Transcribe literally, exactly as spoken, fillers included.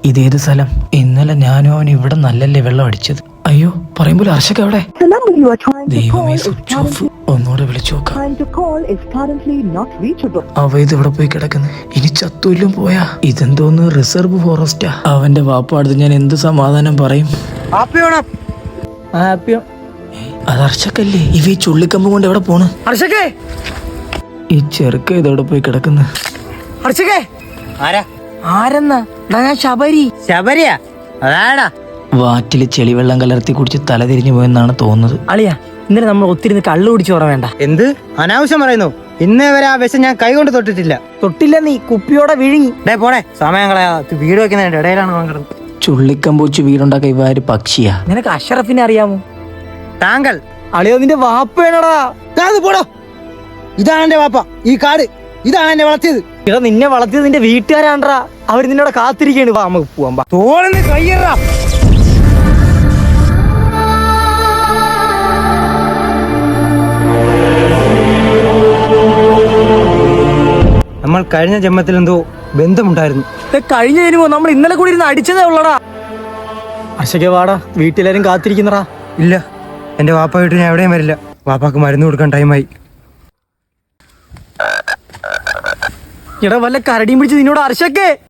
ഇതേത് സ്ഥലം? ഇന്നലെ ഞാനും അവൻ ഇവിടെ നല്ലല്ലേ വെള്ളം അടിച്ചത്. അയ്യോ, പറയുമ്പോൾ ഹർഷക്ക് അവിടെ. ദൈവമേ, സ്വിച്ച് ഓഫ്. ഒന്നുകൂടെ വിളിച്ചു നോക്കാം. അവ ഇത് ഇവിടെ പോയി കിടക്കുന്നു. ഇനി ചത്തൂല്ലും പോയാ ഇതെന്തോന്ന് റിസർവ് ഫോറസ്റ്റാ. അവന്റെ വാപ്പ അടുത്ത് ഞാൻ എന്ത് സമാധാനം പറയും? അത് ഹർഷക്കല്ലേ? ഇവ ഈ ചുള്ളിക്കമ്പ് കൊണ്ട് എവിടെ പോണ്? ഹർഷക്കേ, ഈ ചെറുക്ക ഇതെവിടെ പോയി കിടക്കുന്നു? ഹർഷക്കേ, ആരാ ആരെന്നാ? ഞാൻ ശബരി. ശബരിയാ? അതാടാ. വാറ്റില് ചെളിവെള്ളം കലർത്തി കുടിച്ച് തല തിരിഞ്ഞു പോയെന്നാണ് തോന്നുന്നത്. അളിയാ, ഇന്നലെ നമ്മൾ ഒത്തിരി കള്ളു കുടിച്ചു ഓർമ്മ വേണ്ട. എന്ത് അനാവശ്യം പറയുന്നു? ഇന്നേ വരെ ആ വിഷം ഞാൻ കൈ കൊണ്ട് തൊട്ടിട്ടില്ല. തൊട്ടില്ല, നീ കുപ്പിയോടെ വിഴുങ്ങി. ഡേ പോടെ, സമയം കളയാ. വീട് വെക്കുന്നതിന്റെ ഇടയിലാണ് പങ്കെടുക്കുന്നത്. ചുള്ളിക്കമ്പ് വെച്ച് വീടുണ്ടാക്ക ഇവാര് പക്ഷിയാ. നിനക്ക് അഷറഫിനെ അറിയാമോ? താങ്കൾ അളിയോ, നിന്റെ വാപ്പേനടാ. പോടോ, ഇതാണ് എന്റെ വാപ്പ. ഈ കാട് ഇതാണ് എന്നെ വളർത്തിയത്. ഇതാ നിന്നെ വളർത്തിയത് നിന്റെ വീട്ടുകാരാണ്ടാ. അവർ നിന്നോട് കാത്തിരിക്കാണ്. വാ, നമുക്ക് പോവാം. തോളിന് കയ്യറാ. നമ്മൾ കഴിഞ്ഞ ജന്മത്തിൽ എന്തോ ബന്ധമുണ്ടായിരുന്നു. കഴിഞ്ഞ ജന്മോ നമ്മൾ ഇന്നലെ കൂടി ഇരുന്ന് അടിച്ചതേ ഉള്ളടാ. അർഷക വാടാ, വീട്ടിലാരും കാത്തിരിക്കുന്നടാ. ഇല്ല, എന്റെ വാപ്പ വീട്ടിൽ ഞാൻ എവിടെയും വരില്ല. വാപ്പാക്ക് മരുന്ന് കൊടുക്കാൻ ടൈമായി. എടാ, വല്ല കരടിയും പിടിച്ച് നിന്നോട് അർഷക്കേ.